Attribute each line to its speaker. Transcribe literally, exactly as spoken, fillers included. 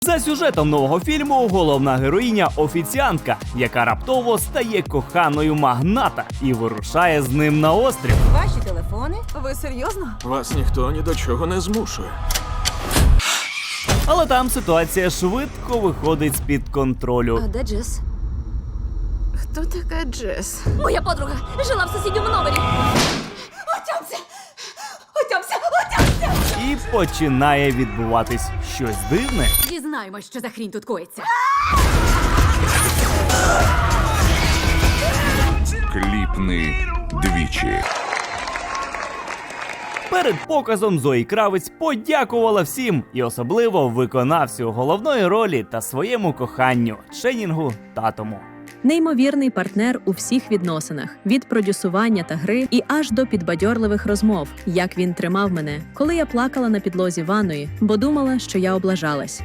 Speaker 1: За сюжетом нового фільму головна героїня – офіціантка, яка раптово стає коханою магната і вирушає з ним на острів.
Speaker 2: Ваші телефони?
Speaker 3: Ви серйозно?
Speaker 4: Вас ніхто ні до чого не змушує.
Speaker 1: Але там ситуація швидко виходить з-під контролю.
Speaker 3: А де Джес? Хто така Джес?
Speaker 2: Моя подруга жила в сусідньому номері. Отямся! Отямся! Отямся!
Speaker 1: І починає відбуватись щось дивне.
Speaker 2: Дізнаємось, що за хрінь тут коїться.
Speaker 5: Кліпни двічі.
Speaker 1: Перед показом Зої Кравець подякувала всім, і особливо виконавцю головної ролі та своєму коханню – Ченінгу Татуму.
Speaker 6: Неймовірний партнер у всіх відносинах – від продюсування та гри і аж до підбадьорливих розмов, як він тримав мене, коли я плакала на підлозі ванної, бо думала, що я облажалась.